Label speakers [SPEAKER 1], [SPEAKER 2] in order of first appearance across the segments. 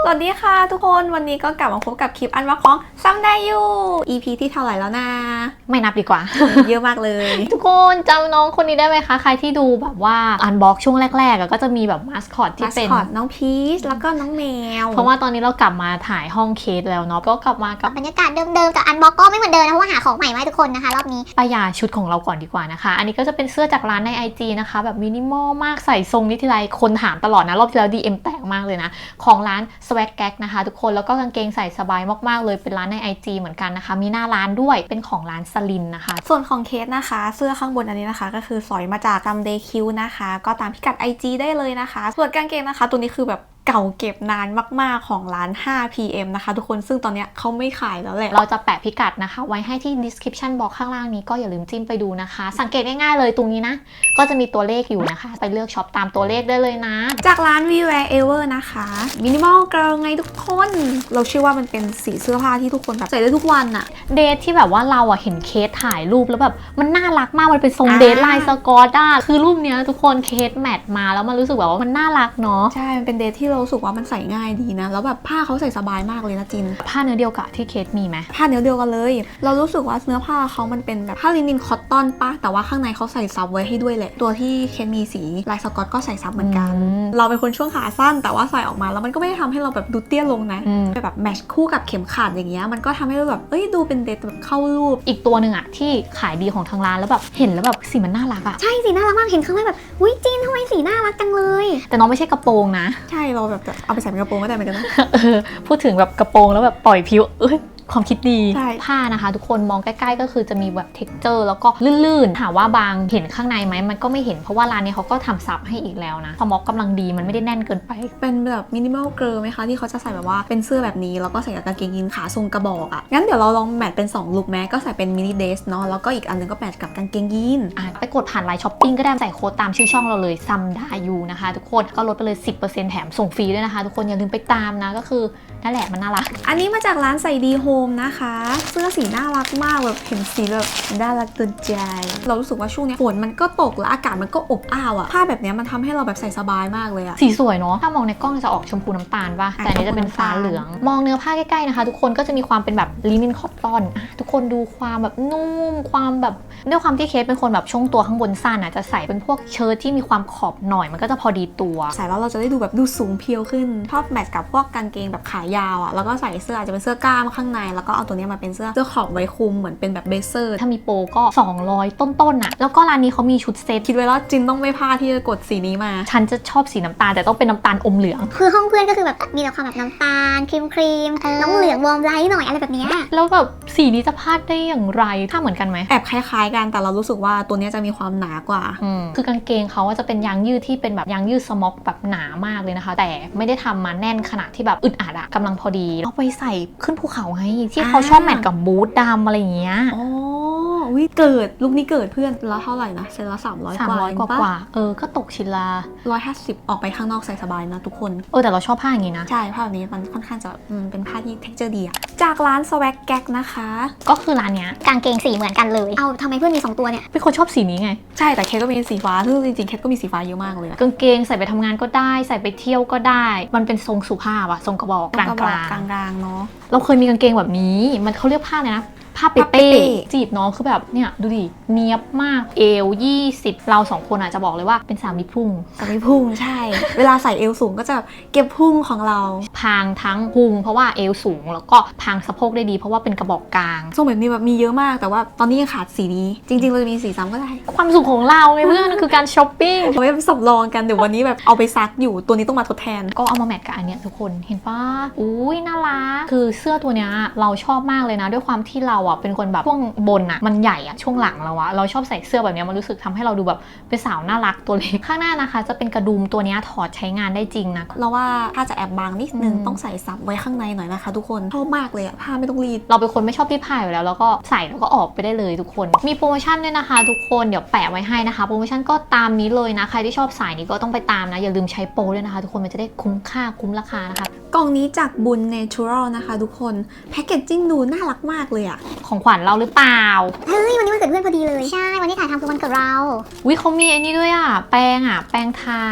[SPEAKER 1] สวัสดีค่ะทุกคนวันนี้ก็กลับมาพบกับคลิปอันว่าของซัมได้อยู่ EP ที่เท่าไหร่แล้วนะ
[SPEAKER 2] ไม่นับดีกว่า
[SPEAKER 1] เยอะมากเลย
[SPEAKER 2] ทุกคนจำน้องคนนี้ได้ไหมคะใครที่ดูแบบว่าอันบ็อกช่วงแรกๆก็จะมีแบบมาสคอตที่เป็น
[SPEAKER 1] น้องพีชแล้วก็น้องแมว
[SPEAKER 2] เพราะว่าตอนนี้เรากลับมาถ่ายห้องเคสแล้วเนาะก็กลับมากับบ
[SPEAKER 3] รรยากาศเดิมๆแต่อันบ็อกก็ไม่เหมือนเดิมนะเพราะว่าหาของใหม่มาให้ทุกคนนะคะรอบนี้
[SPEAKER 2] ป้ายาชุดของเราก่อนดีกว่านะคะอันนี้ก็จะเป็นเสื้อจากร้านใน IG นะคะแบบมินิมอลมากใส่ทรงนี้ทีไรคนถามตลอดนะรอบที่แล้ว DM แตกมากเลยนะของร้าน Swag Gag นะคะทุกคนแล้วก็กางเกงใส่สบายมากๆเลยเป็นร้านใน IG เหมือนกันนะคะมีหน้าร้านด้วยเป็นของร้านสลินนะคะ
[SPEAKER 1] ส่วนของเคสนะคะเสื้อข้างบนอันนี้นะคะก็คือสอยมาจากซัมเดย์คิวนะคะก็ตามพิกัด IG ได้เลยนะคะส่วนกางเกงนะคะตัวนี้คือแบบเก่าเก็บนานมากๆของร้าน 5PM นะคะทุกคนซึ่งตอนนี้เขาไม่ขายแล้วแหละ
[SPEAKER 2] เราจะแปะพิกัดนะคะไว้ให้ที่ description box ข้างล่างนี้ก็อย่าลืมจิ้มไปดูนะคะสังเกตง่ายๆเลยตรงนี้นะก็จะมีตัวเลขอยู่นะคะไปเลือกช็อปตามตัวเลขได้เลยนะ
[SPEAKER 1] จากร้าน We Wear Ever นะคะมินิมอลเกิร์ลไงทุกคนเราเชื่อว่ามันเป็นสีเสื้อผ้าที่ทุกคนแบบใส่ได้ทุกวันอะ
[SPEAKER 2] เดทที่แบบว่าเราอะเห็นเคสถ่ายรูปแล้วแบบมันน่ารักมากมันเป็นทรงเดทลายสกอตอะคือรูปเนี้ยทุกคนเคสแมทมาแล้วมันรู้สึกแบบว่ามันน่ารักเนาะ
[SPEAKER 1] ใช่มันเป็นเดทที่เรารู้สึกว่ามันใส่ง่ายดีนะแล้วแบบผ้าเขาใส่สบายมากเลยนะจิน
[SPEAKER 2] ผ้าเนื้อเดียวกับที่เคสมีไหม
[SPEAKER 1] ผ้าเนื้อเดียวกันเลยเรารู้สึกว่าเนื้อผ้าเขามันเป็นแบบผ้าลินินคอตตอนปะแต่ว่าข้างในเขาใส่ซับไว้ให้ด้วยแหละตัวที่เคสมีสีลายสกอตก็ใส่ซับเหมือนกันเราเป็นคนช่วงขาสั้นแต่ว่าใส่ออกมาแล้วมันก็ไม่ได้ทำให้เราแบบดูเตี้ยลงนะแบบแมชคู่กับเข็มขัดอย่างเงี้ยมันก็ทำให้เราแบบดูเป็นเดทแบบเข้ารูป
[SPEAKER 2] อีกตัวหนึ่งอะที่ขายดีของทางร้านแล้วแบบเห็นแล้วแบบสีมันน่ารักอะ
[SPEAKER 3] ใช่สีน่ารักมากเห็นครั้งแรกแบบอุ้ยจีนทำไมสีน่ารักจังเลย
[SPEAKER 2] แต่น้องไม่ใช่กระโปรงนะ
[SPEAKER 1] ใช่เราแบบเอาไปใส่เป็นกระโปรงก็ได้เหมือนกันนะ
[SPEAKER 2] พูดถึงแบบกระโปรงแล้วแบบปล่อยผิวความคิดดี
[SPEAKER 1] ใช่
[SPEAKER 2] ผ้านะคะทุกคนมองใกล้ๆก็คือจะมีแบบ texture แล้วก็ลื่นๆถามว่าบางเห็นข้างในไหมมันก็ไม่เห็นเพราะว่าร้านนี้เขาก็ทำซับให้อีกแล้วนะสม็อกกำลังดีมันไม่ได้แน่นเกินไป
[SPEAKER 1] เป็นแบบมินิมอลเกิร์ลไหมคะที่เขาจะใส่แบบว่าเป็นเสื้อแบบนี้แล้วก็ใส่กับกางเกงยีนขาทรงกระบอกอ่ะงั้นเดี๋ยวเราลองแมทเป็น2ลุคแม้ก็ใส่เป็นมินิเดสเนาะแล้วก็อีกอันนึงก็แมทกับกางเกงยีน
[SPEAKER 2] ไปกดผ่านไลน์ช้อปปิ้งก็ได้ใส่โค้ดตามชื่อช่องเราเลยซัมดายูนะคะทุกคนก็ลดไปเลย 10% แถมส่งฟรีด้วยนะคะทุกคนอย่าลืมไปตามนะก็คือนั่นแหละมันน่ารัก
[SPEAKER 1] อันนี้มาจากร้านใส่ดีโฮมนะคะเสื้อสีน่ารักมากแบบเห็นสีแบบน่ารักตื่นใจเรารู้สึกว่าช่วงนี้ฝนมันก็ตกแล้วอากาศมันก็อบอ้าวอะผ้าแบบนี้มันทำให้เราแบบใส่สบายมากเลยอะ
[SPEAKER 2] สีสวยเนาะถ้ามองในกล้องจะออกชมพูน้ำตาลป่ะแต่อันนี้จะเป็นฟ้าเหลืองมองเนื้อผ้าใกล้ๆนะคะทุกคนก็จะมีความเป็นแบบลินินคอตตอนทุกคนดูความแบบนุ่มความแบบด้วยความที่เคสเป็นคนแบบช่วงตัวข้างบนสั้นอะจะใส่เป็นพวกเชิ้ตที่มีความขอบหน่อยมันก็จะพอดีตัว
[SPEAKER 1] ใส่แล้วเราจะได้ดูแบบดูสูงเพียวขึ้นชอบแมทกับพวกกางเกงแบบขายาวอะแล้วก็ใส่เสื้ออาจจะเป็นเสื้อกล้ามข้างในแล้วก็เอาตัวนี้มาเป็นเสื้อขอบไว้คุมเหมือนเป็นแบบเบเซอร์
[SPEAKER 2] ถ้ามีโปรก็200ต้นๆน่ะแล้วก็ร้านนี้เขามีชุดเซต
[SPEAKER 1] คิดไว้แล้วจินต้องไม่พลาดที่จะกดสีนี้มา
[SPEAKER 2] ฉันจะชอบสีน้ำตาลแต่ต้องเป็นน้ำตาลอมเหลือง
[SPEAKER 3] คือห้องเพื่อนก็คือแบบมีแต่ความแบบน้ำตาลครีมน้ำเหลืองวอร์มไลท์หน่อยอะไรแบบนี้
[SPEAKER 2] แล้วแบบสีนี้จะพลาดได้อย่างไรถ้าเหมือนกันไหม
[SPEAKER 1] แอบคล้ายๆกันแต่เรารู้สึกว่าตัวนี้จะมีความหนากว่า
[SPEAKER 2] คือกางเกงเขาจะเป็นยางยืดที่เป็นแบบยางยืดสม็อกแบบหนามากเลยนะคะแต่ไม่ได้ทำมาแน่นขนาดที่แบบอึดอัดอะกำลังพอดีเอาไปใส่ขึ้นภูเขาไงที่เขาชอบแมทกับบูทดำอะไรอย่างเงี้ย
[SPEAKER 1] อ๋อเกิดลูกนี้เกิดเพื่อนแล้วเท่าไหร่นะเซนละ300
[SPEAKER 2] กว่าก็ตกชิ้นละ
[SPEAKER 1] 150ออกไปข้างนอกใส่สบายนะทุกคน
[SPEAKER 2] แต่เราชอบผ้าอย่างงี้นะ
[SPEAKER 1] ใช่ผ้าแบบนี้มันค่อนข้างจะเป็นผ้าที่ texture ดีอะจากร้าน Swag Gag นะคะ
[SPEAKER 2] ก็คือร้านเนี้ย
[SPEAKER 3] กางเกงสีเหมือนกันเลยเอาทำไมเพื่อนมี2ตัวเนี่ย
[SPEAKER 2] เป็นคนชอบสีนี้ไง
[SPEAKER 1] ใช่แต่เคทก็มีสีฟ้าซึ่งจริงๆเคทก็มีสีฟ้าเยอะมากเลย
[SPEAKER 2] กางเกงใส่ไปทำงานก็ได้ใส่ไปเที่ยวก็ได้มันเป็นทรงสุภาพอะทรงกระบอกกลาง
[SPEAKER 1] ๆเนาะ
[SPEAKER 2] เราเคยมีกางเกงแบบนี้มันเขาเรียกผ้าเลยนะผ้าเป้จีบน้องคือแบบเนี่ยดูดิเนียบมากเอว20เรา2คนอาจจะบอกเลยว่าเป็นสามีพุ่ง
[SPEAKER 1] ใช่ เวลาใส่เอวสูงก็จะเก็บพุ่งของเรา
[SPEAKER 2] พางทั้งพุงเพราะว่าเอวสูงแล้วก็พางสะโพกได้ดีเพราะว่าเป็นกระบอกกลาง
[SPEAKER 1] ทรงแบบนี้แบบมีเยอะมากแต่ว่าตอนนี้ยังขาดสีนี้จริงๆเราจะมีสีซ้ำก็ได้
[SPEAKER 2] ความสุขของเราไงเพื่อนคือการช้อปปิ้ง
[SPEAKER 1] เอาไว้สำรองกันเดี๋ยววันนี้แบบเอาไปซักอยู่ตัวนี้ต้องมาทดแทน
[SPEAKER 2] ก็เอามาแมทกับอันเนี้ยทุกคนเห็นปะอุ้ยน่ารักคือเสื้อตัวเนี้ยเราชอบมากเลยนะด้วยความที่เราเป็นคนแบบช่วงบนมันใหญ่ช่วงหลังเราชอบใส่เสื้อแบบนี้มันรู้สึกทำให้เราดูแบบเป็นสาวน่ารักตัวเล็กข้างหน้านะคะจะเป็นกระดุมตัวนี้ถอดใช้งานได้จริงนะ
[SPEAKER 1] เราว่าถ้าจะแอบบางนิดนึงต้องใส่ซับไว้ข้างในหน่อยนะคะทุกคนชอบมากเลยผ้าไม่ต้องรีด
[SPEAKER 2] เราเป็นคนไม่ชอบรีดผ้าอยู่แล้วก็ใส่แล้วก็ออกไปได้เลยทุกคนมีโปรโมชั่นด้วยนะคะทุกคนเดี๋ยวแปะไว้ให้นะคะโปรโมชั่นก็ตามนี้เลยนะใครที่ชอบสายนี้ก็ต้องไปตามนะอย่าลืมใช้โปรด้วยนะคะทุกคนมันจะได้คุ้มค่าคุ้มราคานะคะ
[SPEAKER 1] กล่องนี้จากบุญ Natural นะคะทุกคนแพคเกจจิ้งดูน่ารักมากเลยอะ
[SPEAKER 2] ของขวัญเราหรือเปล่า
[SPEAKER 3] เฮ้ยวันนี้วันเกิดเพื่อนพอดีเลยใช่วันที่ถ่ายทำคือวันเกิดเรา
[SPEAKER 2] วิเขามีไอ้นี่ด้วยแป้งทา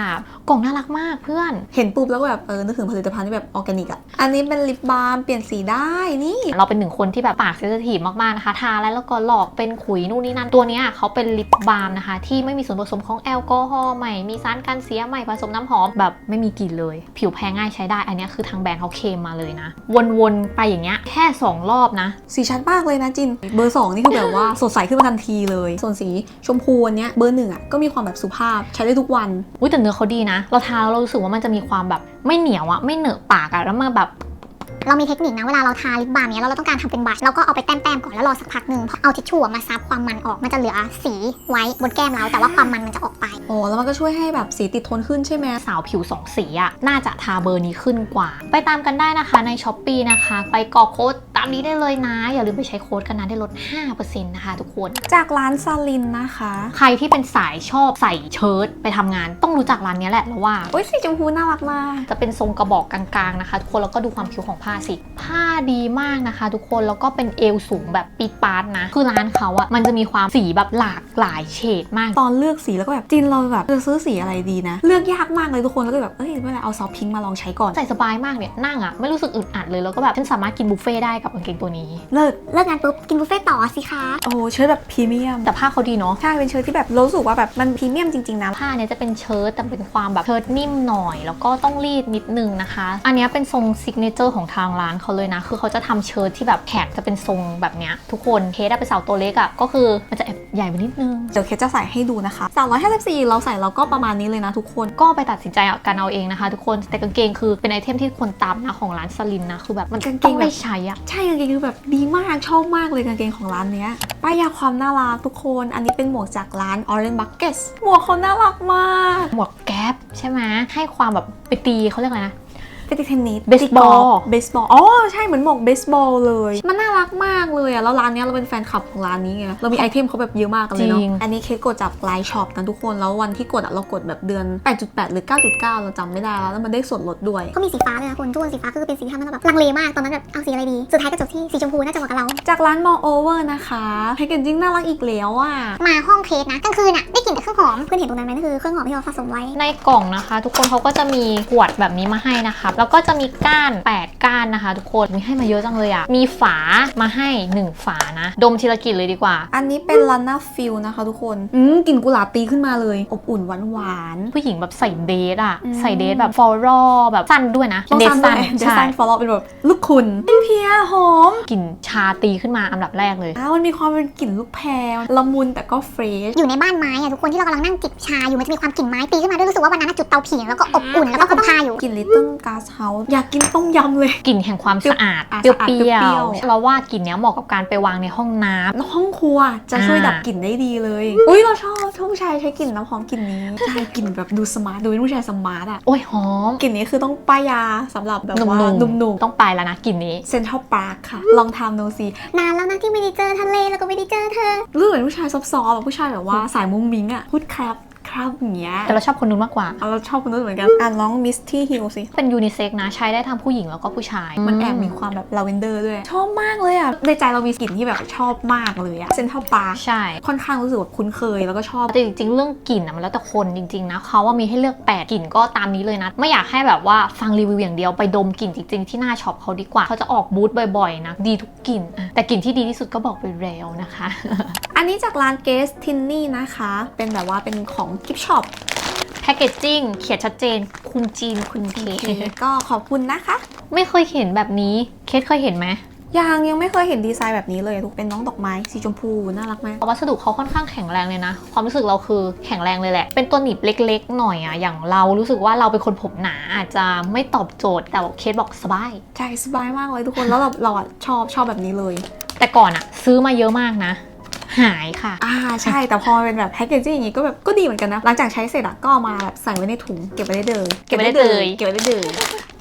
[SPEAKER 2] กล่องน่ารักมากเพื่อน
[SPEAKER 1] เห็นปุ๊บแล้วก็แบบนึกถึงผลิตภัณฑ์ที่แบบออร์แกนิกอ่ะอันนี้เป็นลิปบาล์มเปลี่ยนสีได้นี่
[SPEAKER 2] เราเป็นหนึ่งคนที่แบบปากเซนซิทีฟมากๆนะคะทาแล้วก็หลอกเป็นขุยนู่นนี่นั่นตัวเนี้ยเขาเป็นลิปบาล์มนะคะที่ไม่มีส่วนผสมของแอลกอฮอล์ใหม่มีสารกันเสียใหม่ผสมน้ำหอมแบบไม่มีกลิ่นเลยผิวแพ้ง่ายใช้ได้อันนี้คือทางแบรนด์เขาเคลมมาเลยนะวนๆไปอย่างเงี้ยแค่2รอบนะ
[SPEAKER 1] สีชัดมากเลยนะจินเบอร์ 2นี่คือแบบว่าสดใสขึ้นมาทันทีเลยส่วนสีชมพูอันเนี้ยเบอร์ 1อ่ะก็มีความแบบสุภาพใช้ได้ทุกวัน
[SPEAKER 2] อุ้ยแต่เนื้อเขาดีนะเราทาแล้วเรารู้สึกว่ามันจะมีความแบบไม่เหนียวอะไม่เหนอะปากอะแล้วมาแบบ
[SPEAKER 3] เรามีเทคนิคนะเวลาเราทาลิปบาล์มเนี้ยแล้วเราต้องการทำเป็นบัชเราก็เอาไปแต้มๆก่อนแล้วรอสักพักหนึ่งพอเอาทิชชู่มาซับความมันออกมันจะเหลือสีไว้บนแก้มเราแต่ว่าความมันจะออกไป
[SPEAKER 1] อ๋อแล้วมันก็ช่วยให้แบบสีติดทนขึ้นใช่ไหม
[SPEAKER 2] สาวผิว2สีอะน่าจะทาเบอร์นี้ขึ้นกว่า ไปตามกันได้นะคะใน Shopee นะคะ ไปกรอกโค้ดตามนี้ได้เลยนะ อย่าลืมไปใช้โค้ดกันนะได้ลด 5% นะคะทุกคน
[SPEAKER 1] จากร้านซาลินนะคะ
[SPEAKER 2] ใครที่เป็นสายชอบใส่เชิ้ตไปทำงานต้องรู้จักร้านนี้แหละแล้วว่า
[SPEAKER 1] โอ้ยสีชมพูน่ารักมาก
[SPEAKER 2] จะเป็นทรงกระบอกกลางๆนะคะทุกคนแล้วก็ดูความคิ้วของผ้าสิผ้าดีมากนะคะทุกคนแล้วก็เป็นเอวสูงแบบปีดปาร์ตนะคือร้านเขาอะมันจะมีความสีแบบหลากหลายเฉดมาก
[SPEAKER 1] ตอนเลือกสีแล้วก็แบบจินเราแบบจะซื้อสีอะไรดีนะเลือกยากมากเลยทุกคนแล้วก็แบบไม่เป็นไรเอาซอฟพิงค์มาลองใช้ก่อน
[SPEAKER 2] ใส่สบายมากเนี่ยนั่งอะไม่รู้สึกอึดอัดเลยแล้วก็แบบฉันสามารถกินบุฟเฟ่ได้กับกางเกงตัวนี้
[SPEAKER 1] เลิศ
[SPEAKER 3] เลิกงานปุ๊บกินบุฟเฟ่ต์ต่อสิคะ
[SPEAKER 1] โอ้เชิ้ตแบบพรีเมียม
[SPEAKER 2] แต่ผ้าเขาดีเนาะ
[SPEAKER 1] ใช่เป็นเชิ้ตที่แบบรู้สึกว่าแบบมันพรีเมียมจริงๆนะ
[SPEAKER 2] ผ้าเนี่ยจะเป็นเชิ้ตแต่เป็นความแบบเชิ้ตนิ่มหน่อยแล้วก็ต้องรีดนิดนึงนะคะ อันเนี้ยเป็นทรงซิกเนเจอร์ของทางร้านเขาเลยนะคือเขาจะทำเชิ้ตที่แบบแขกจะเป็นทรงแบบเนี้ยทุกคนเคสเป็นสาวตัวเล็กอะก็คือมันจะแอบใหญ่ไปนิดนึง
[SPEAKER 1] เดี๋ยวเคสจะใส่ให้ดูนะคะ354เราใส่เราก็ประมาณนี้เลยนะทุกคน
[SPEAKER 2] ก็ไปตัดสินใจกันเอาเองนะคะทุกคนแต่กางเกงคือเป็นไอเทมที่คนตามนะของร้านสลินนะคือแบบมัน
[SPEAKER 1] กางเกง
[SPEAKER 2] ต้องได้ใช้อะ
[SPEAKER 1] ใช่กางเกงคือแบบดีมากชอบมากเลยกางเกงของร้านเนี้ยป้ายยาความน่ารักทุกคนอันนี้เป็นหมวกจากร้าน Orange Buckets หมวกเขาน่ารักมาก
[SPEAKER 2] หมวกแก๊ปใช่ไหมให้ความแบบไปตีเขาเรียกอะไรนะ
[SPEAKER 1] เป็นเทนนิส
[SPEAKER 2] เบสบอล
[SPEAKER 1] เบสบอลอ๋อใช่เหมือนหมวกเบสบอลเลยมันน่ารักมากเลยอะแล้วร้านเนี้ยเราเป็นแฟนคลับของร้านนี้ไงเรามีไอเทมเขาแบบเยอะมากกันเลยเนาะ
[SPEAKER 2] จริง
[SPEAKER 1] อันนี้เคสกดจากไลน์ช็อปนะทุกคนแล้ววันที่กดอะเรากดแบบเดือน 8.8 หรือ 9.9 เราจำไม่ได้แล้วมันได้ส่วนลดด้วย
[SPEAKER 3] ก็มีสีฟ้าเลยนะคุณทุกคนสีฟ้าคือเป็นสีที่ทำให้เราแบบลังเลมากตอนนั้นแบบเอาสีอะไรดีสุดท้ายก็จบที่สีชมพูน่าจะเหมาะกับเรา
[SPEAKER 1] จากร้าน Moreover นะคะแพคเกจจิ้งน่ารักอีกแล้วอะ
[SPEAKER 3] มาห้องเคสนะกลางคืนอะได้กลิ่นแต่เครื่องหอมเพื่อนเห็นตรงนั้นไหมนั่นคือเครื่องหอมที่เราสะสมไว้
[SPEAKER 2] ในกล่องนะคะ ทุกคนเขาก็จะมีขวดแบบนี้มาให้นะคะแล้วก็จะมีก้าน8ก้านนะคะทุกคนมีให้มาเยอะจังเลยอะมีฝามาให้1ฝานะดมทีละกลิ่นเลยดีกว่า
[SPEAKER 1] อันนี้เป็น Lana Feel นะคะทุกคนกลิ่นกุหลาบตีขึ้นมาเลยอบอุ่นหวาน
[SPEAKER 2] ผู้หญิงแบบใส่เดทอะ
[SPEAKER 1] อืม
[SPEAKER 2] ใส่เดทแบบฟลอรัลแบบสั้นด้วยนะ
[SPEAKER 1] ๆต้อง
[SPEAKER 2] เดท
[SPEAKER 1] สั้น
[SPEAKER 2] สั้น
[SPEAKER 1] เด
[SPEAKER 2] ใช่
[SPEAKER 1] ซันฟอลล์เป็นแบบลูกคุณเพียหอม
[SPEAKER 2] กลิ่นชาตีขึ้นมาอันดับแรกเลย
[SPEAKER 1] มันมีความเป็นกลิ่นลูกแพรละมุนแต่ก็เฟรช
[SPEAKER 3] อยู่ในบ้านไม้อะทุกคนที่เรากำลังนั่งจิบชาอยู่มันจะมีความกลิ่นไม้ตีขึ้นมาด้วยรู้สึกว่าวันนั้นอะจุดเตาผิงแล้วก็อบอุ่นแล้วก็ห่มผ้าอยู่
[SPEAKER 1] กลิ่น Little Glass House อยากกินต้มยำเลย
[SPEAKER 2] กลิ่นแห่งความสะอาด
[SPEAKER 1] อ่ะ
[SPEAKER 2] เปรี้
[SPEAKER 1] สะอาดเปรี้
[SPEAKER 2] ย
[SPEAKER 1] ยว ว
[SPEAKER 2] ๆเราว่ากลิ่นเนี้ยเหมาะกับการไปวางในห้องน้ำ
[SPEAKER 1] แล้วห้องครัวจะช่วยดับกลิ่นได้ดีเลย อุ้ยเราชอบผู้ชายใช้กลิ่นน้ำหอมกลิ่นนี้ใช่กลิ่นแบบดูสมาร์ทดูเป็นผู้ชายสมาร์ทอะ
[SPEAKER 2] โอ้ยหอม
[SPEAKER 1] กลิ่นนี้คือต้องป้ายยาสำหรับแบบว่า
[SPEAKER 2] หนุ่ม
[SPEAKER 1] หนุ่ม
[SPEAKER 2] ๆต้องไปแล้วนะกลิ่นนี้
[SPEAKER 1] ๆเซ็นทรัลพาร์คค่ะ ลองทำดูสิ
[SPEAKER 3] นานแล้วนะที่ไม่ได้เจอทะเลแล้วก็ไม่ได้เจอเธอ
[SPEAKER 1] รู้เหมือนผู้ชายซอฟต์ๆแบบผู้ชายแบบว่าสายมุ้งมิ้งอะพูดครับอย่างเงี้ย
[SPEAKER 2] แต่เราชอบคนนู้นมากกว่า
[SPEAKER 1] เราชอบคนนู้นเหมือนกันอ่านร้อง Misty Hill สิ
[SPEAKER 2] เป็นยูนิเซ็กนะใช้ได้ทั้งผู้หญิงแล้วก็ผู้ชาย
[SPEAKER 1] มันแอบมีความแบบลาเวนเดอร์ด้วย ชอบมากเลยอ่ะ ในใจเรามีกลิ่นที่แบบชอบมากเลยอ่ะเซนทรัลปาร์ค
[SPEAKER 2] ใช่
[SPEAKER 1] ค่อนข้างรู้สึกแบบคุ้นเคยแล้วก็ชอบ
[SPEAKER 2] แต่จริงๆเรื่องกลิ่นอะมันแล้วแต่คนจริงๆนะเขาว่ามีให้เลือก8กลิ่นก็ตามนี้เลยนะ ไม่อยากให้แบบว่าฟังรีวิวอย่างเดียวไปดมกลิ่นจริงๆที่หน้าช็อปเขาดีกว่าเขาจะออกบูธบ่อยๆนะดีทุกกลิ่นอะแต่กลิ่นที่ดีที่สุดก็บอกไปแล้วนะคะ
[SPEAKER 1] อันนี้จากร้านเกสทินนี่นะคะ เป็นแบบว่าเป็นของกิฟช็อป
[SPEAKER 2] แพคเกจจิ้งเขียนชัดเจนคุณจีนคุณเค
[SPEAKER 1] ก็ขอบคุณนะคะ
[SPEAKER 2] ไม่เคยเห็นแบบนี้เคสเคยเห็นไหม
[SPEAKER 1] ยังไม่เคยเห็นดีไซน์แบบนี้เลยทุกเป็นน้องดอกไม้สีชมพูน่ารักมาก
[SPEAKER 2] วัสดุเขาค่อนข้างแข็งแรงเลยนะความรู้สึกเราคือแข็งแรงเลยแหละเป็นตัวหนีบเล็กๆหน่อยอะอย่างเรารู้สึกว่าเราเป็นคนผมหนาอาจจะไม่ตอบโจทย์แต่เคสบอกสบาย
[SPEAKER 1] ใช่สบายมากเลยทุกคนแล้วเราอะชอบแบบนี้เลย
[SPEAKER 2] แต่ก่อนอะซื้อมาเยอะมากนะ หายค่ะ
[SPEAKER 1] ใช่แต่พอมันเป็นแบบแพ็กเกจจิ้งอย่างงี้ก็แบบก็ดีเหมือนกันนะหลังจากใช้เสร็จอะก็เอามาแบบใส่ไว้ในถุงเก็บไว้ได้เลย
[SPEAKER 2] เก็บไว้ได้เลย
[SPEAKER 1] เก็บไว้ได้เลย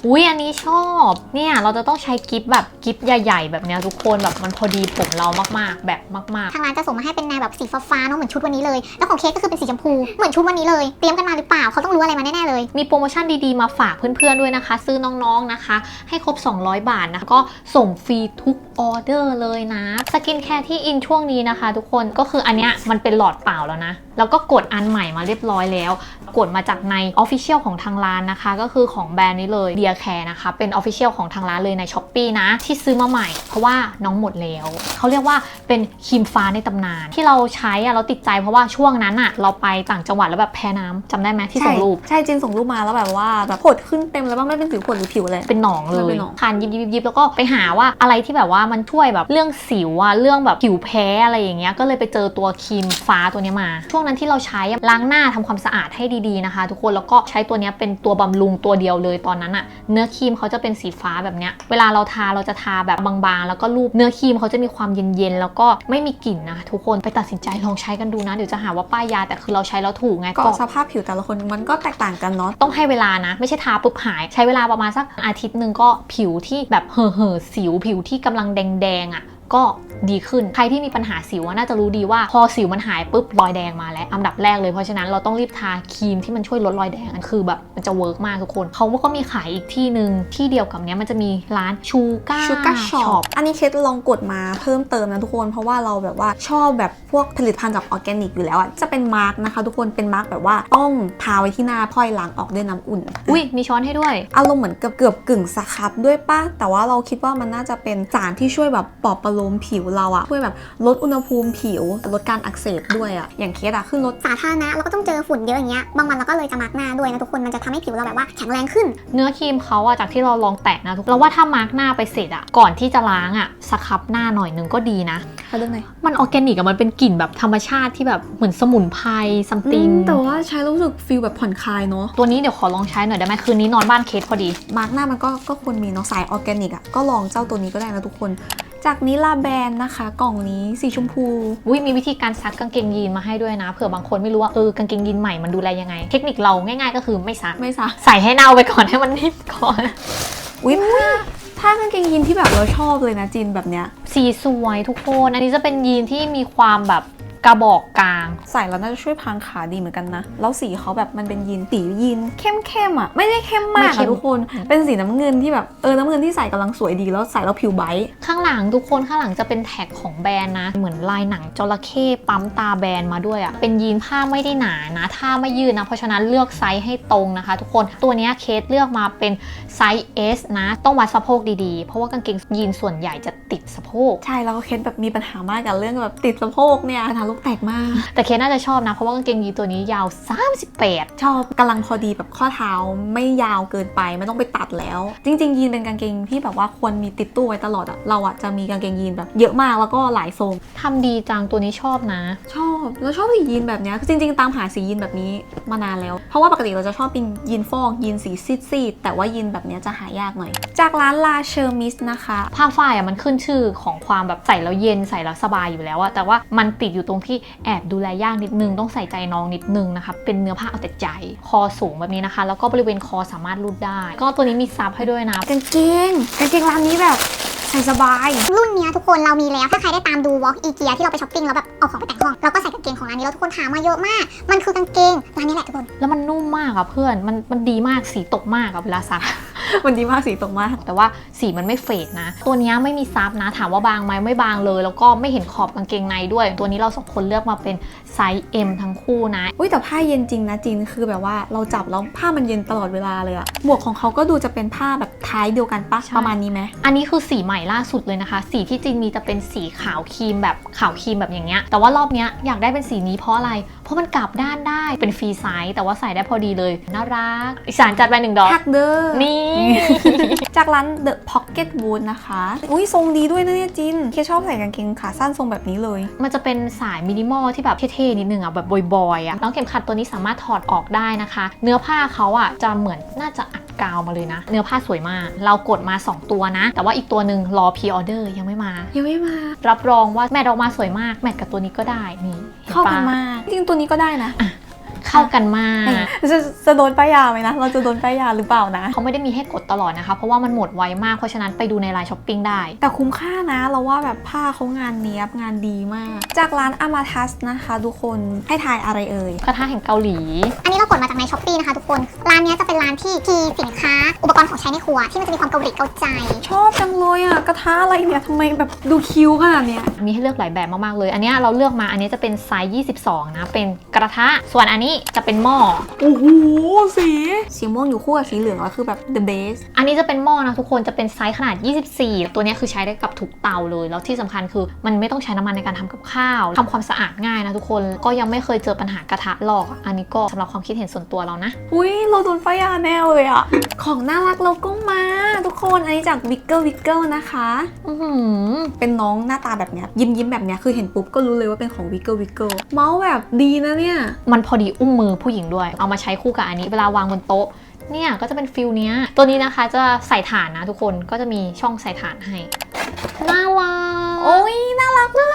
[SPEAKER 2] อุ๊ยอันนี้ชอบเนี่ยเราจะต้องใช้กิฟต์แบบกิฟต์ใหญ่ๆแบบเนี้ยทุกคนแบบมันพอดีผมเรามากๆแบบมาก
[SPEAKER 3] ทางร้านจะส่งมาให้เป็นแนวแบบสีฟ้าๆเนาะเหมือนชุดวันนี้เลยแล้วของเค้กก็คือเป็นสีชมพูเหมือนชุดวันนี้เลยเตรียมกันมาหรือเปล่าเขาต้องรู้อะไรมาแน่ๆเลย
[SPEAKER 2] ๆมีโปรโมชั่นดีๆมาฝากเพื่อนๆด้วยนะคะ ซื้อน้องๆนะคะให้ครบ200 บาทนะก็ส่งฟรีทุกออเดอร์เลยนะสกินแคร์ที่อินช่วงนี้นะคะทุกคนก็คืออันเนี้ยมันเป็นหลอดเปล่าแล้วนะแล้วก็กดอันใหม่มาเรียบร้อยแล้วกดมาจากใน Official ของทางร้านนะคะก็คือของแบรนด์นี้เลย Dear Care นะคะเป็น Official ของทางร้านเลยใน Shopee นะที่ซื้อมาใหม่เพราะว่าน้องหมดแล้วเขาเรียกว่าเป็นครีมฟ้าในตำนานที่เราใช้เราติดใจเพราะว่าช่วงนั้นอะเราไปต่างจังหวัดแล้วแบบแพ้น้ำจำได้ไหมที่ส่งรูป
[SPEAKER 1] ใช่จินส่งรูปมาแล้วแบบว่าแบบผดขึ้นเต็มเลยว่าไม่เป็นสิวผดหรือผิวเลย
[SPEAKER 2] เป็นหนองเล
[SPEAKER 1] มันเป็
[SPEAKER 2] ย
[SPEAKER 1] นหนอง
[SPEAKER 2] คันยิบแล้วก็ไปหาว่าอะไรที่แบบว่ามันช่วยแบบเรื่องสิวอะเรื่องแบบผิวแพ้อะไรอย่างเงี้ยก็เลยไปเจอตัวครีมฟ้าตัวนี้มาช่วงนั้นที่เราใช้ล้างหน้าทำความสะอาดให้ดีๆนะคะทุกคนแล้วก็ใช้ตัวนี้เป็นตัวบำรุงตัวเดียวเลยตอนนั้นอะเนื้อครีมเขาจะเป็นสีฟ้าแบบเนี้ยเวลาเราทาเราจะทาแบบบางๆแล้วก็รูปเนื้อครีมเขาจะมีความเย็นๆแล้วก็ไม่มีกลิ่นนะทุกคนไปตัดสินใจลองใช้กันดูนะเดี๋ยวจะหาว่าป้ายยาแต่คือเราใช้แล้วถูกไง
[SPEAKER 1] ก็สภาพผิวแต่ละคนมันก็แตกต่างกันเนาะ
[SPEAKER 2] ต้องให้เวลานะไม่ใช่ทาปุ๊บหายใช้เวลาประมาณสักอาทิตย์หนึ่งก็ผิวที่แบบเห่อสิวผิวที่กำลังแดงๆอ่ะก็ดีขึ้นใครที่มีปัญหาสิวน่าจะรู้ดีว่าพอสิวมันหายปุ๊บรอยแดงมาแล้วอันดับแรกเลยเพราะฉะนั้นเราต้องรีบทาครีมที่มันช่วยลดรอยแดงอันคือแบบมันจะเวิร์กมากทุกคนเขาก็มีขายอีกที่หนึ่งที่เดียวกับเนี้ยมันจะมีร้านชูก้า
[SPEAKER 1] ช็อปอันนี้เคสลองกดมาเพิ่มเติมนะทุกคนเพราะว่าเราแบบว่าชอบแบบพวกผลิตภัณฑ์จากออร์แกนิกอยู่แล้วอ่ะจะเป็นมาร์กนะคะทุกคนเป็นมาร์กแบบว่าต้องทาไว้ที่หน้าพอยล้างออกด้วยน้ำอุ่น
[SPEAKER 2] อุ้ยมีช้อนให้ด้วย
[SPEAKER 1] อารมณ์เหมือนเกือบกึ่งสครับด้วยป่ะแต่ว่าเราคิดว่ามันน่าจะเป็นสารที่ช่วยแบบปลอบประโลมผิวเราอะช่วยแบบลดอุณหภูมิผิวลดการอักเสบด้วยอะอย่างเคสอะขึ้นรถ
[SPEAKER 3] สาธารณะเราก็ต้องเจอฝุ่นเยอะอย่างเงี้ยบางวันเราก็เลยจะมาร์กหน้าด้วยนะทุกคนมันจะทำให้ผิวเราแบบว่าแข็งแรงขึ้น
[SPEAKER 2] เนื้อครีมเขาอะจากที่เราลองแตะนะทุกเราว่าถ้ามาร์กหน้าไปเสร็จอะก่อนที่จะล้างอะสครับหน้าหน่อยนึงก็ดีนะ
[SPEAKER 1] เขาเรื่องไหน
[SPEAKER 2] มันออร์แกนิกอะมันเป็นกลิ่นแบบธรรมชาติที่แบบเหมือนสมุนไพรซัมติง
[SPEAKER 1] แต่ว่าใช้แล้วรู้สึกฟีลแบบผ่อนคลายเนาะ
[SPEAKER 2] ตัวนี้เดี๋ยวขอลองใช้หน่อยได้ไหมคืนนี้นอนบ้านเคสพอดี
[SPEAKER 1] มาร์กหน้ามันก็ควรมีเนาะสายออร์แกนิกอะก็ลองเจ้าตัวนี้ก็ได้นะทุกคนจากนิลาแบรนด์นะคะกล่องนี้สีชมพู
[SPEAKER 2] อุ้ยมีวิธีการซักกางเกงยีนมาให้ด้วยนะเผื่อบางคนไม่รู้ว่ากางเกงยีนใหม่มันดูแลยังไง เทคนิคเราง่ายๆก็คือไม่ซัก
[SPEAKER 1] ไม่ซัก
[SPEAKER 2] ใส่ให้เน่าไปก่อนให้มันนิ่มก่อน
[SPEAKER 1] อุ้ยผ้ากางเกงยีนที่แบบเราชอบเลยนะจินแบบเนี้ย
[SPEAKER 2] สีสวยทุกคนอันนี้จะเป็นยีนที่มีความแบบกระบอกกลาง
[SPEAKER 1] ใส่แล้วน่าจะช่วยพรางขาดีเหมือนกันนะแล้วสีเขาแบบมันเป็นยีนสียีนเข้มๆอะไม่ได้เข้มมาก
[SPEAKER 2] ไม่เข้
[SPEAKER 1] อะ
[SPEAKER 2] ม
[SPEAKER 1] ทุกคนเป็นสีน้ำเงินที่แบบน้ำเงินที่ใส่กำลังสวยดีแล้วใส่แล้วผิวไบรท์
[SPEAKER 2] ข้างหลังทุกคนข้างหลังจะเป็นแท็กของแบรนด์นะเหมือนลายหนังจระเข้ปั๊มตาแบรนด์มาด้วยอะเป็นยีนผ้าไม่ได้หนานะถ้าไม่ยืดนะเพราะฉะนั้นเลือกไซส์ให้ตรงนะคะทุกคนตัวนี้เคสเลือกมาเป็นไซส์ S นะต้องวัดสะโพกดีๆเพราะว่ากางเกงยีนส่วนใหญ่จะติดสะโพก
[SPEAKER 1] ใช่แล้วก็เคสแบบมีปัญหามากกับเรื่องแบบติดสะโพกเนี่ยปัญหาลูกแตกมาก
[SPEAKER 2] แต่เคสน่าจะชอบนะเพราะว่ากางเกงยีนตัวนี้ยาว38
[SPEAKER 1] ชอบกำลังพอดีแบบข้อเท้าไม่ยาวเกินไปไม่ต้องไปตัดแล้ว จริงๆยีนเป็นกางเกงที่แบบว่าควรมีติดตู้ไว้ตลอดอะเราอะจะมีกางเกงยีนแบบเยอะมากแล้วก็หลายทรง
[SPEAKER 2] ทำดีจังตัวนี้ชอบนะ
[SPEAKER 1] ชอบแล้วชอบสียีนแบบเนี้ยคือจริงๆตามหาสียีนแบบนี้มานานแล้ว เพราะว่าปกติเราจะชอบเป็นยีนฟอกยีนสีซีดๆแต่ว่ายีนแบบเนี้ยจะหายากหน่อย จากร้านลาเชอร์มิสนะคะ
[SPEAKER 2] ผ้าฝ้ายมันขึ้นชื่อของความแบบใส่แล้วเย็นใส่แล้วสบายอยู่แล้วอะแต่ว่ามันติดอยู่ตรงที่แอบดูแลยากนิดนึงต้องใส่ใจน้องนิดนึงนะคะเป็นเนื้อผ้าเอาแต่ใจคอสูงแบบนี้นะคะแล้วก็บริเวณคอสามารถรูดได้ก็ตัวนี้มีซับให้ด้วยนะ
[SPEAKER 1] กางเกงร้านนี้แบบใส่สบาย
[SPEAKER 3] รุ่นเนี้ยทุกคนเรามีแล้วถ้าใครได้ตามดูวอล์กอีเกียที่เราไปช้อปปิ้งแล้วแบบเอาของไปแต่งห้องเราก็ใส่กางเกงของร้านนี้แล้วทุกคนถามมาเยอะมากมันคือกางเกงร้านนี้แหละทุกคน
[SPEAKER 2] แล้วมันนุ่มมากอะเพื่อนมันดีมากสีตกมากอะเวลาซัก
[SPEAKER 1] มันดีมากสีตรงมาก
[SPEAKER 2] แต่ว่าสีมันไม่เฟดนะตัวนี้ไม่มีซับนะถามว่าบางไหมไม่บางเลยแล้วก็ไม่เห็นขอบกางเกงในด้วยตัวนี้เราสองคนเลือกมาเป็นไซส์ M ทั้งคู่นะ
[SPEAKER 1] อุ้ยแต่ผ้าเย็นจริงนะจินคือแบบว่าเราจับแล้วผ้ามันเย็นตลอดเวลาเลยอะหมวกของเขาก็ดูจะเป็นผ้าแบบท้ายเดียวกันปะ
[SPEAKER 2] ใช่
[SPEAKER 1] ประมาณนี้ไหม
[SPEAKER 2] อันนี้คือสีใหม่ล่าสุดเลยนะคะสีที่จริงมีจะเป็นสีขาวครีมแบบขาวครีมแบบอย่างเงี้ยแต่ว่ารอบเนี้ยอยากได้เป็นสีนี้เพราะอะไรเพราะมันกลับด้านได้เป็นฟรีไซส์แต่ว่าใส่ได้พอดีเลยน่ารักอีสานจัดไป1 ดอก
[SPEAKER 1] ทักเด้อ
[SPEAKER 2] นี่
[SPEAKER 1] จากร้าน The Pocket Wood นะคะ อุ้ยทรงดีด้วยนะเนี่ยจินเคชอบใส่กางเกงขาสั้นทรงแบบนี้เลย
[SPEAKER 2] มันจะเป็นสายมินิมอลที่แบบเท่ๆนิดนึงอ่ะแบบบอยๆอ่ะน้องเข็มขัดตัวนี้สามารถถอดออกได้นะคะ เนื้อผ้าเขาอ่ะจะเหมือนน่าจะอัดกาวมาเลยนะ เนื้อผ้าสวยมาก เรากดมา 2 ตัวนะ แต่ว่าอีกตัวหนึ่งรอพรีออเดอร์ยังไม่มา
[SPEAKER 1] ยังไม่มา
[SPEAKER 2] รับรองว่าแมทออกมาสวยมากแมทกับตัวนี้ก็ได้นี่เห็น
[SPEAKER 1] เข้า
[SPEAKER 2] ปะ
[SPEAKER 1] กันมาก จริงๆตัวนี้ก็ได้นะ
[SPEAKER 2] ขเข้ากันมาก
[SPEAKER 1] จะโดนป้ายยาไหมนะเราจะโดนป้ายยาหรือเปล่านะ
[SPEAKER 2] เขาไม่ได้มีให้กดตลอดนะคะเพราะว่ามันหมดไวมากเพราะฉะนั้นไปดูในไลน์ช้อปปิ้งได้
[SPEAKER 1] แต่คุ้มค่านะเราว่าแบบผ้าเขางานเนี้ยบงานดีมาก จากร้านอามาทัสนะคะทุกคนให้ทายอะไรเอ่ย
[SPEAKER 2] กระทะแห่งเกาหลี
[SPEAKER 3] อันนี้เรากดมาจากในช้อปปี้นะคะทุกคน ร้านเนี้ยจะเป็นร้านที่มีสินค้าอุปกรณ์ของใช้ในครัวที่มันจะมีความเกาหลีเกาใจ
[SPEAKER 1] ชอบจังเลยอ่ะกระทะอะไรเนี่ยทำไมแบบดูคิ้วขนาดเนี้ย
[SPEAKER 2] มีให้เลือกหลายแบบมากๆเลยอันนี้เราเลือกมาอันนี้จะเป็นไซส์22นะเป็นกระทะส่วนอันนี้จะเป็นหม้อ
[SPEAKER 1] โอ้โหสีม่วงอยู่คู่กับสีเหลืองแล้วคือแบบ the best
[SPEAKER 2] อันนี้จะเป็นหม้อนะทุกคนจะเป็นไซส์ขนาด24ตัวนี้คือใช้ได้กับทุกเตาเลยแล้วที่สำคัญคือมันไม่ต้องใช้น้ำมันในการทำกับข้าวทำความสะอาดง่ายนะทุกคนก็ยังไม่เคยเจอปัญหากระทะลอกอันนี้ก็สำหรับความคิดเห็นส่วนตัวเรานะ
[SPEAKER 1] อุ้ยเราโดนป้ายยาแน่เลยอ่ะ ของน่ารักเราก็มาทุกคนอันนี้จากวิกเกิลนะคะ เป็นน้องหน้าตาแบบเนี้ยยิ้มแบบเนี้ยคือเห็นปุ๊บก็รู้เลยว่าเป็นของวิกเกิลเมาส์แบบดีนะเนี่ย
[SPEAKER 2] มันพอดีอุ้มมือผู้หญิงด้วยเอามาใช้คู่กับอันนี้เวลาวางบนโต๊ะเนี่ยก็จะเป็นฟิลเนี้ยตัวนี้นะคะจะใส่ถ่านนะทุกคนก็จะมีช่องใส่ถ่านให้น่ารัก
[SPEAKER 1] โอ้ยน่ารักมาก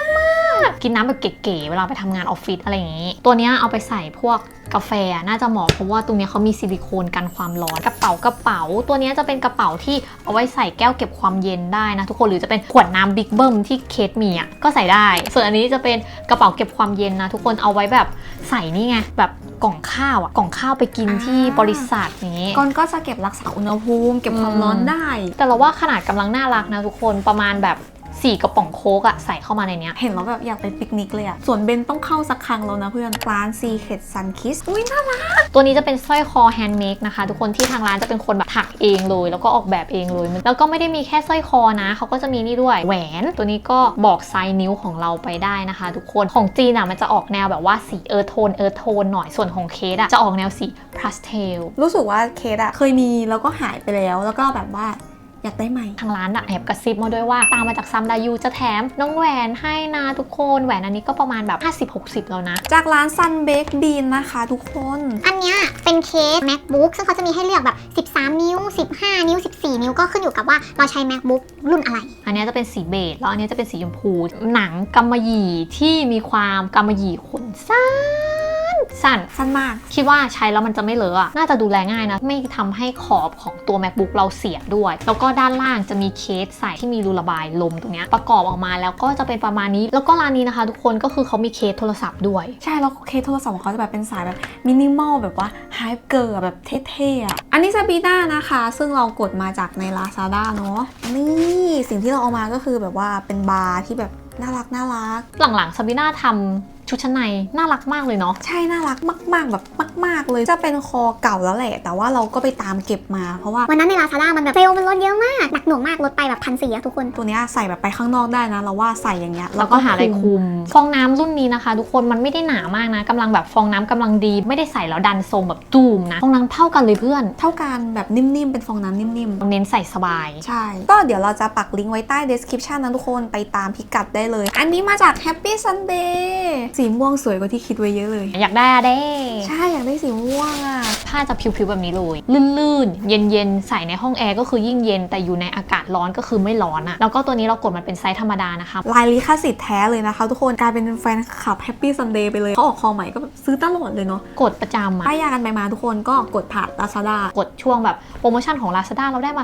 [SPEAKER 2] กินน้ำแบบเก๋ๆเวลาไปทำงานออฟฟิศอะไรอย่างนี้ตัวเนี้ยเอาไปใส่พวกกาแฟน่าจะเหมาะเพราะว่าตรงนี้เขามีซิลิโคนกันความร้อนกระเป๋าตัวนี้จะเป็นกระเป๋าที่เอาไว้ใส่แก้วเก็บความเย็นได้นะทุกคนหรือจะเป็นขวดน้ำบิ๊กเบิ้มที่เคสมีอ่ะก็ใส่ได้ส่วนอันนี้จะเป็นกระเป๋าเก็บความเย็นนะทุกคนเอาไว้แบบใส่นี่ไงแบบกล่องข้าวอ่ะกล่องข้าวไปกินที่บริษัทนี้
[SPEAKER 1] ก่อนก็จะเก็บรักษาอุณหภูมิเก็บความร้อนได้
[SPEAKER 2] แต่เราว่าขนาดกำลังน่ารักนะทุกคนประมาณแบบ4 กระป๋องโค้กอะใส่เข้ามาในเนี้ย
[SPEAKER 1] เห็นแล้วแบบอยากไปปิกนิกเลยอะส่วนเบนต้องเข้าสักครั้งแล้วนะเพื่อนร้าน Secret Sun Kiss อุ้ยน่ารัก
[SPEAKER 2] ตัวนี้จะเป็นสร้อยคอแฮนด์เมดนะคะทุกคนที่ทางร้านจะเป็นคนแบบถักเองเลยแล้วก็ออกแบบเองเลยแล้วก็ไม่ได้มีแค่สร้อยคอนะเขาก็จะมีนี่ด้วยแหวนตัวนี้ก็บอกไซส์นิ้วของเราไปได้นะคะทุกคนของจีนอะมันจะออกแนวแบบว่าสีเอิร์ธโทนหน่อยส่วนของเคสอะจะออกแนวสีพาสเทล
[SPEAKER 1] รู้สึกว่าเคสอะเคยมีแล้วก็หายไปแล้วก็แบบว่าอยากได้ใหม่
[SPEAKER 2] ทางร้านอะแอบกระซิบมาด้วยว่าตามมาจากซัมดายูจะแถมน้องแหวนให้นะทุกคนแหวนอันนี้ก็ประมาณแบบ50-60แล้วนะ
[SPEAKER 1] จากร้าน Sun Bake Bean นะคะทุกคน
[SPEAKER 3] อันเนี้ยเป็นเคส MacBook ซึ่งเขาจะมีให้เลือกแบบ 13 นิ้ว 15 นิ้ว 14 นิ้วก็ขึ้นอยู่กับว่าเราใช้ MacBook รุ่นอะไร
[SPEAKER 2] อันนี้จะเป็นสีเบจแล้วอันนี้จะเป็นสีชมพูหนังกำมะหยี่ที่มีความกำมะหยี่ขนสั้น
[SPEAKER 1] มาก
[SPEAKER 2] คิดว่าใช้แล้วมันจะไม่เลอะอะน่าจะดูแลง่ายนะไม่ทำให้ขอบของตัว MacBook เราเสียด้วยแล้วก็ด้านล่างจะมีเคสใส่ที่มีรูระบายลมตรงเนี้ยประกอบออกมาแล้วก็จะเป็นประมาณนี้แล้วก็ร้านนี้นะคะทุกคนก็คือเขามีเคสโทรศัพท์ด้วย
[SPEAKER 1] ใช่แล้วเคสโทรศัพท์ของเขาจะแบบเป็นสายแบบมินิมอลแบบว่าไฮเกิร์แบบเท่ๆอะอันนี้ซาบีน่านะคะซึ่งเรากดมาจากใน Lazada เนาะนี่สิ่งที่เราเอามาก็คือแบบว่าเป็นบาร์ที่แบบน่ารัก
[SPEAKER 2] หลังๆซาบิน่าทำชุดชั้นในน่ารักมากเลยเนาะ
[SPEAKER 1] ใช่น่ารักมากๆแบบมากๆเลยจะเป็นคอเก่าแล้วแหละแต่ว่าเราก็ไปตามเก็บมาเพราะว่า
[SPEAKER 3] วันนั้นใน Lazada มันแบบเซลล์มันลดเยอะมากหนักหน่วงมากลดไปแบบ1,400อะทุกคน
[SPEAKER 1] ตัวเนี้ยใส่แบบไปข้างนอกได้นะเราว่าใส่อย่างเงี้ย
[SPEAKER 2] แล้วก็หาอะไรคุมฟองน้ำรุ่นนี้นะคะทุกคนมันไม่ได้หนามากนะกำลังแบบฟองน้ำกำลังดีไม่ได้ใส่แล้วดันทรงแบบตูมนะฟองน้ำเท่ากันเลยเพื่อน
[SPEAKER 1] เท่ากันแบบนิ่มๆเป็นฟองน้ำนิ่มๆ
[SPEAKER 2] เน้นใส่สบาย
[SPEAKER 1] ใช่ ก็เดี๋ยวเราจะปักลิงก์ไว้ใต้ description นะทุกคนไปตามพิกัดได้เลย อันนี้มาจาก Happy Sunday สีม่วงสวยกว่าที่คิดไว้เยอะเลย
[SPEAKER 2] อยากได้อะเด้
[SPEAKER 1] ใช่อยากได้สีม่วงอ่ะ
[SPEAKER 2] ผ้าจะผิวๆแบบนี้เลยลื่นๆเย็นๆใส่ในห้องแอร์ก็คือยิ่งเย็นแต่อยู่ในอากาศร้อนก็คือไม่ร้อนอะแล้วก็ตัวนี้เรากดมันเป็นไซส์ธรรมดานะคะ
[SPEAKER 1] ลายลิขสิทธิ์แท้เลยนะคะทุกคนกลายเป็นแฟนคลับ Happy Sunday ไปเลยเขาออกคอใหม่ก็แบบซื้อตลอดเลยเนาะ
[SPEAKER 2] กดประจำอะ
[SPEAKER 1] ป้ายยากันไปมาทุกคนก็กดผ่าน Lazada
[SPEAKER 2] กดช่วงแบบโปรโมชั่นของ Lazada เราได้มา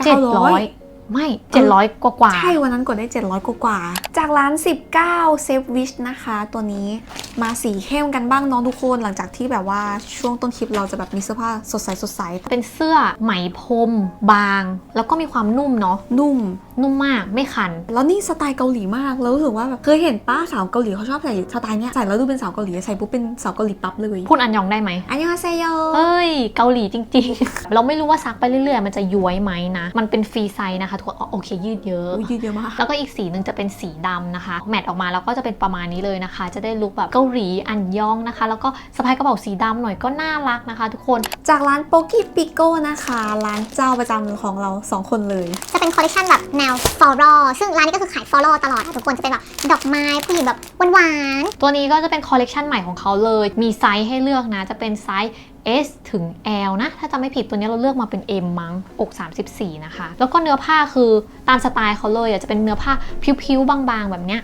[SPEAKER 1] 900
[SPEAKER 2] 700ไม่700กว่า
[SPEAKER 1] ใช่วันนั้นกดได้700กว่าๆจากร้าน 19 Save Wish นะคะตัวนี้มาสีเข้มกันบ้างเน้องทุกคนหลังจากที่แบบว่าช่วงต้นคลิปเราจะแบบมีเสื้อผ้าสดใส
[SPEAKER 2] เป็นเสื้อไหมพรมบาง แล้วก็มีความนุ่มเนาะ
[SPEAKER 1] นุ่ม
[SPEAKER 2] นุ่มมากไม่คัน
[SPEAKER 1] แล้วนี่สไตล์เกาหลีมากแล้วรู้สึกว่าแบบเคยเห็นป้าสาวเกาหลีเขาชอบใส่สไตล์เนี้ยใส่แล้วดูเป็นสาวเกาหลีใส่ปุ๊บเป็นสาวเกาหลีปั๊บเลย
[SPEAKER 2] พูดอันยองได้ไหม
[SPEAKER 1] อันยองฮาเซโย
[SPEAKER 2] เอ้ยเกาหลีจริงๆ เราไม่รู้ว่าซักไปเรื่อยๆมันจะย้วยไหมนะมันเป็นฟรีไซส์นะคะทุกคนโอเคยืดเยอะ
[SPEAKER 1] ยืดเยอะมาก
[SPEAKER 2] แล้วก็อีกสีหนึ่งจะเป็นสีดำนะคะแมทออกมาแล้วก็จะเป็นประมาณนี้เลยนะคะ จะได้ลุคแบบเกาหลีอันยองนะคะ แล้วก็สะพายกระเป๋าสีดำหน่อยก็น่ารักนะคะทุกคน
[SPEAKER 1] จากร้านโปกี้ปิโก้นะคะร้านเจ้าประจำของเรา2คนเลย
[SPEAKER 3] จะเป็นคอลเลคชันแบบแนว floral ซึ่งร้านนี้ก็คือขาย floral ตลอดอะทุกคนจะเป็นแบบดอกไม้ผู้หญิงแบบหวาน
[SPEAKER 2] ตัวนี้ก็จะเป็นคอลเลกชันใหม่ของเขาเลยมีไซส์ให้เลือกนะจะเป็นไซส์ S ถึง L นะถ้าจำไม่ผิดตัวนี้เราเลือกมาเป็น M มั้งอก34นะคะแล้วก็เนื้อผ้าคือตามสไตล์เขาเลยจะเป็นเนื้อผ้าผิวๆบางๆแบบเนี้ย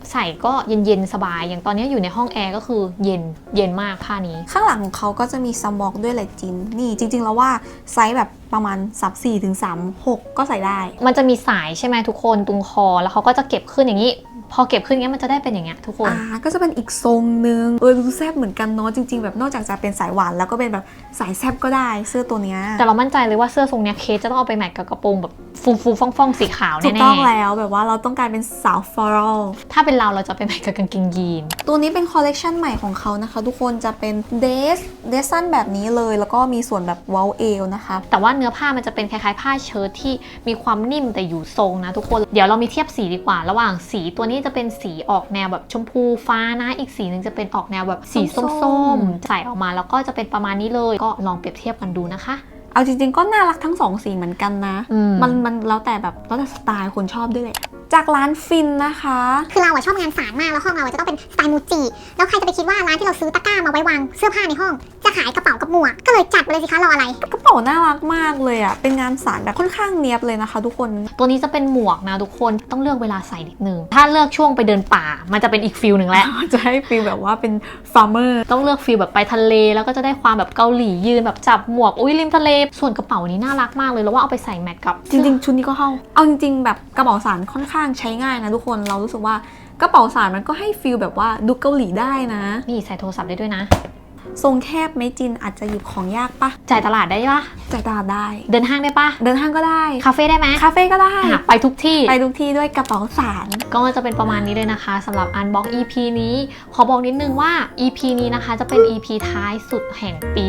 [SPEAKER 2] ใส่ก็เย็นๆสบายอย่างตอนนี้อยู่ในห้องแอร์ก็คือเย็นมากผ้านี้
[SPEAKER 1] ข้างหลังของเขาก็จะมีซัมบอกด้วยแหละจินนี่จริงๆแล้วว่าไซส์แบบประมาณ34ถึง36ก็ใส่ได้
[SPEAKER 2] มันจะมีสายใช่ไหมทุกคนตรงคอแล้วเขาก็จะเก็บขึ้นอย่างนี้ พอเก็บขึ้นอย่างเงี้ยมันจะได้เป็นอย่างเงี้ยทุกคน
[SPEAKER 1] ก็จะเป็นอีกทรงนึงดูแซ่บเหมือนกันเนาะจริงๆแบบนอกจากจะเป็นสายหวานแล้วก็เป็นแบบสายแซ่บก็ได้เสื้อตัวเนี้ย
[SPEAKER 2] แต่เรามั่นใจเลยว่าเสื้อทรงเนี้ยเคสจะต้องเอาไปแมทกับกระโปรงแบบฟูฟ่องๆสีขาว
[SPEAKER 1] ถูก
[SPEAKER 2] แน่
[SPEAKER 1] ต้องแล้วแบบว่าเราต้องการเป็นสาวฟลอรัล
[SPEAKER 2] ๆถ้าเป็นเราจะไปแมทกับกางเกงยีน
[SPEAKER 1] ตัวนี้เป็นคอลเลกชันใหม่ของเขานะคะทุกคนจะเป็นเดสสั้นแบบนี้เลยแล้วก็มีส่วนแบบเว้าเอวนะคะ
[SPEAKER 2] แต่ว่าเนื้อผ้ามันจะเป็นคล้ายๆผ้าเชิ้ตที่มีความนิ่มแต่อยู่ทรงนะทุกคนเดี๋ยวเรามีเทียบสีดีกว่า ระหว่างสีตัวนี้จะเป็นสีออกแนวแบบชมพูฟ้านะอีกสีหนึ่งจะเป็นออกแนวแบบสีส้มๆใส่ออกมาแล้วก็จะเป็นประมาณนี้เลยก็ลองเปรียบเทียบกันดูนะคะ
[SPEAKER 1] เอาจริงๆก็น่ารักทั้งสองสีเหมือนกันนะ
[SPEAKER 2] อืม
[SPEAKER 1] มันแล้วแต่แบบแล้วแต่สไตล์คนชอบด้วยแหละจากร้านฟินนะคะ
[SPEAKER 3] คือเราอะชอบงานสารมากแล้วห้องเราอะจะต้องเป็นสไตล์มูจิแล้วใครจะไปคิดว่าร้านที่เราซื้อตะกร้ามาไว้วางเสื้อผ้าในห้องจะขายกระเป๋ากับหมวกก็เลยจัดไปเลยสิคะรออะไร
[SPEAKER 1] กระเป๋าน่ารักมากเลยอ่ะเป็นงานสารแบบค่อนข้างเนียบเลยนะคะทุกคน
[SPEAKER 2] ตัวนี้จะเป็นหมวกนะทุกคนต้องเลือกเวลาใส่นิดนึงถ้าเลือกช่วงไปเดินป่ามันจะเป็นอีกฟิลหนึ่งแหละ
[SPEAKER 1] จะให้ฟีลแบบว่าเป็นฟาร์มเมอร์
[SPEAKER 2] ต้องเลือกฟิลแบบไปทะเลแล้วก็จะได้ความแบบเกาหลียืนแบบจับหมวกอุ้ยริมทะเลส่วนกระเป๋านี้น่ารักมากเลยแล้วว่าเอาไปใส่แมทกับ
[SPEAKER 1] จริงๆชุดนี้ก็เข้าเอาจริงๆแบบกระเป๋าสารค่อนข้างใช้ง่ายนะทุกคนเรารู้สึกว่ากระเป๋าสารมันก็ให้ฟีลแบบว่าดูเกาหลีได้นะ
[SPEAKER 2] นี่ใส่โทรศัพท์ได้ด้วยนะ
[SPEAKER 1] ทรงแคบไหมจินอาจจะหยิบของยากปะ
[SPEAKER 2] จ่ายตลาดได้ปะ
[SPEAKER 1] จ่ายตลาดได้
[SPEAKER 2] เดินห้างได้ปะ
[SPEAKER 1] เดินห้างก็ได้
[SPEAKER 2] คาเฟ่ได้ไหม
[SPEAKER 1] คาเฟ่ก็ได้
[SPEAKER 2] อ่ะไปทุกที่
[SPEAKER 1] ไปทุกที่ด้วยกระเป๋าสาร
[SPEAKER 2] ก็จะเป็นประมาณนี้เลยนะคะสำหรับ Unbox EP นี้ขอบอกนิดนึงว่า EP นี้นะคะจะเป็น EP ท้ายสุดแห่งปี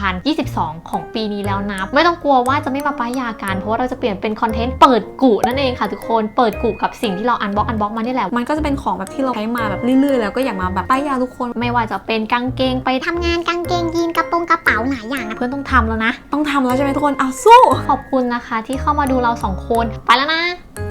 [SPEAKER 2] 2022 ของปีนี้แล้วนะไม่ต้องกลัวว่าจะไม่มาป้ายยากันเพราะว่าเราจะเปลี่ยนเป็นคอนเทนต์เปิดกุนั่นเองค่ะทุกคนเปิดกุกับสิ่งที่เรา Unbox มานี่แหละ
[SPEAKER 1] มันก็จะเป็นของแบบที่เราใช้มาแบบเรื่อยๆแล้วก็อยากมาแบบป้ายยาทุกคน
[SPEAKER 2] ไม่ว่าจะเป็นกางเกงไป
[SPEAKER 3] ทำงานกางเกงยีนกระเป๋าหลายอย่างนะ
[SPEAKER 2] เพื่อนต้องทำแล้วนะ
[SPEAKER 1] ต้องทำแล้วใช่ไหมทุกคนเอาสู้
[SPEAKER 2] ขอบคุณนะคะที่เข้ามาดูเราสองคนไปแล้วนะ